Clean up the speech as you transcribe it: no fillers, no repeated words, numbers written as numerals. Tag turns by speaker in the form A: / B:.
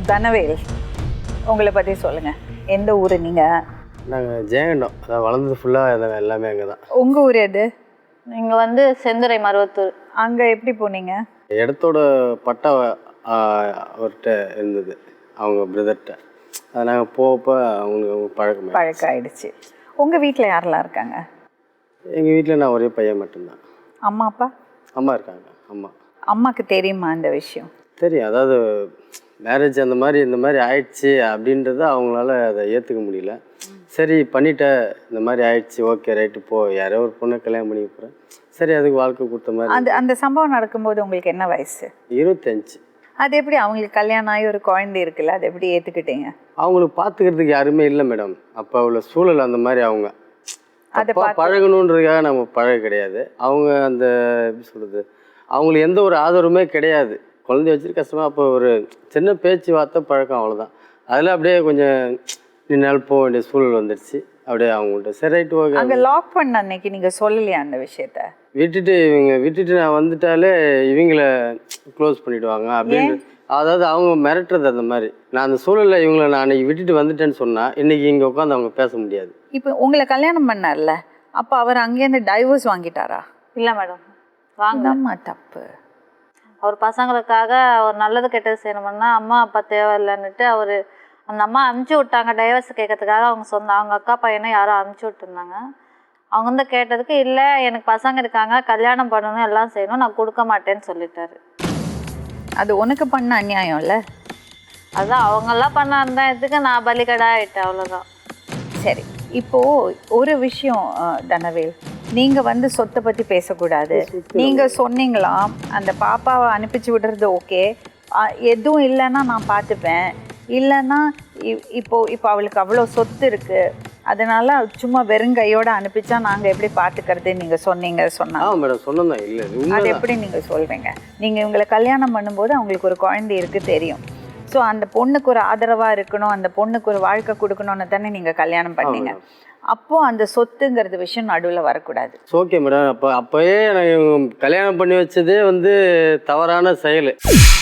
A: தனவேல், உங்களை பற்றி சொல்லுங்கள். எந்த ஊர் நீங்கள்?
B: நாங்கள் ஜெயங்கண்டம், அதான் வளர்ந்தது ஃபுல்லாக எல்லாமே அங்கே தான்.
A: உங்கள் ஊர் எது?
C: நீங்கள் வந்து செந்துறை மருவத்தூர்.
A: அங்கே எப்படி போனீங்க?
B: இடத்தோட பட்டா அவர்கிட்ட இருந்தது, அவங்க பிரதர்கிட்ட. அதை நாங்கள் போகப்போ அவங்களுக்கு பழக்கம்
A: ஆயிடுச்சு. உங்கள் வீட்டில் யாரெல்லாம் இருக்காங்க?
B: எங்கள் வீட்டில் நான் ஒரே பையன் மட்டும்தான்.
A: அம்மா அப்பா?
B: அம்மா இருக்காங்க.
A: அம்மாவுக்கு தெரியுமா இந்த விஷயம்?
B: தெரியும். அதாவது மேரேஜ் இந்த மாதிரி ஆயிடுச்சு அப்படின்றத அவங்களால அதை ஏற்றுக்க முடியல. சரி பண்ணிட்ட, இந்த மாதிரி ஆயிடுச்சு, ஓகே ரைட்டு போ, யாரோ ஒரு பொண்ணை கல்யாணம் பண்ணி போகிறேன், சரி அதுக்கு வாழ்க்கை கொடுத்த மாதிரி.
A: அந்த சம்பவம் நடக்கும்போது உங்களுக்கு என்ன வயசு?
B: 25.
A: அது எப்படி அவங்களுக்கு கல்யாணம் ஆகி ஒரு குழந்தை இருக்குல்ல, அதை எப்படி ஏற்றுக்கிட்டீங்க?
B: அவங்களுக்கு பார்த்துக்கிறதுக்கு யாருமே இல்லை மேடம். அப்போ உள்ள சூழல் அந்த மாதிரி. அவங்க அதை பழகணுன்றதுக்காக நம்ம பழக கிடையாது. அவங்க அந்த எப்படி சொல்கிறது, அவங்களுக்கு எந்த ஒரு ஆதரவுமே கிடையாது. குழந்தைய வச்சுட்டு கஷ்டமாக அப்போ ஒரு சின்ன பேச்சு வார்த்தை பழக்கம், அவ்வளோதான். அதில் அப்படியே கொஞ்சம் நின்னால் போக வேண்டிய சூழல் வந்துடுச்சு. அப்படியே அவங்கள்ட்ட சரி ரைட்டு ஓகே.
A: அங்கே லாக் பண்ண அன்னைக்கு நீங்கள் சொல்லலையா அந்த விஷயத்த?
B: விட்டுட்டு நான் வந்துட்டாலே இவங்கள க்ளோஸ் பண்ணிவிடுவாங்க அப்படின்னு. அதாவது அவங்க மிரட்டுறது அந்த மாதிரி. நான் அந்த சூழலில் இவங்களை நான் அன்றைக்கி விட்டுட்டு வந்துட்டேன்னு சொன்னால் இன்றைக்கி இங்கே உட்காந்து அவங்க பேச முடியாது.
A: இப்போ உங்களை கல்யாணம் பண்ணார்ல, அப்போ அவர் அங்கேருந்து டைவர்ஸ் வாங்கிட்டாரா?
C: இல்லை மேடம், வாங்கம்மா.
A: தப்பு.
C: அவர் பசங்களுக்காக ஒரு நல்லது கெட்டது செய்யணும்னா அம்மா அப்பா தேவையில்லைன்னுட்டு அவர் அந்த அம்மா அமுச்சு விட்டாங்க டைவர்ஸ் கேட்கறதுக்காக. அவங்க அக்கா பையனை யாரோ அமுச்சு விட்டுருந்தாங்க. அவங்க வந்து கேட்டதுக்கு இல்லை எனக்கு பசங்க இருக்காங்க, கல்யாணம் பண்ணணும், எல்லாம் செய்யணும், நான் கொடுக்க மாட்டேன்னு சொல்லிட்டாரு.
A: அது உனக்கு பண்ண அநியாயம் இல்லை?
C: அதுதான் அவங்கெல்லாம் பண்ண அந்த இதுக்கு நான் பலிகடா ஆகிட்டேன், அவ்வளோதான்.
A: சரி, இப்போது ஒரு விஷயம் தனவேல், நீங்கள் வந்து சொத்தை பற்றி பேசக்கூடாது. நீங்கள் சொன்னீங்களாம் அந்த பாப்பாவை அனுப்பிச்சு விடுறது ஓகே, எதுவும் இல்லைன்னா நான் பார்த்துப்பேன், இல்லைன்னா இப்போ அவளுக்கு அவ்வளோ சொத்து இருக்குது, அதனால சும்மா வெறுங்கையோடு அனுப்பிச்சா நாங்கள் எப்படி பார்த்துக்கிறது நீங்கள் சொன்னாங்க.
B: மேடம் சொன்னதான் இல்லை,
A: அது எப்படி நீங்கள் சொல்கிறீங்க? நீங்கள் இவங்களை கல்யாணம் பண்ணும்போது அவங்களுக்கு ஒரு குழந்தை இருக்குது தெரியும். ஸோ அந்த பொண்ணுக்கு ஒரு ஆதரவாக இருக்கணும், அந்த பொண்ணுக்கு ஒரு வாழ்க்கை கொடுக்கணும்னு தானே நீங்கள் கல்யாணம் பண்ணீங்க. அப்போது அந்த சொத்துங்கிறது விஷயம் நடுவில் வரக்கூடாது.
B: Okay madam. அப்போயே நான் கல்யாணம் பண்ணி வச்சதே வந்து தவறான செயல்.